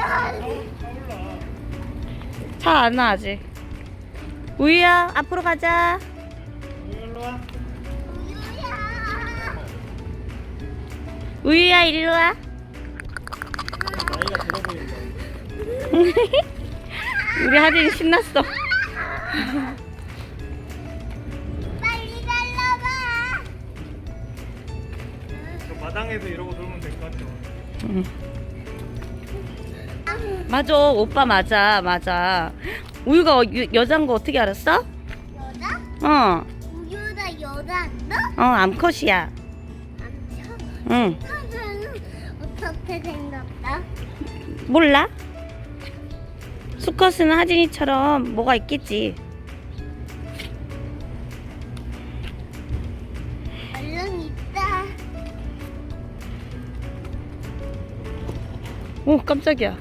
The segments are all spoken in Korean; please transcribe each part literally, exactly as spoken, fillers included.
차 안 와 아직. 우유야 앞으로 가자. 일로 와. 우유야 이리로 와. 나이가 들어 보인다. 우리 하진이 신났어. 빨리 달라봐. 저 마당에서 이러고 놀면 될 것 같아. 응. 맞아 오빠 맞아 맞아. 우유가 여, 여잔 거 어떻게 알았어? 여자? 어. 우유다 여자 너? 어 암컷이야. 암컷? 응. 암컷은 어떻게 생겼다? 몰라? 수컷은 하진이처럼 뭐가 있겠지. 얼른 있다. 오 깜짝이야.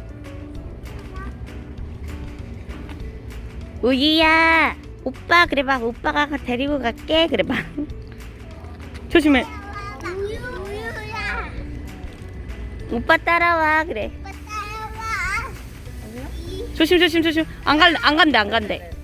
우유야 오빠 그래봐. 오빠가 데리고 갈게 그래봐. 조심해. 우유 우유야. 오빠 따라와 그래. 오빠 따라와. 조심 조심 조심. 안 갈 안 간대 안 간대.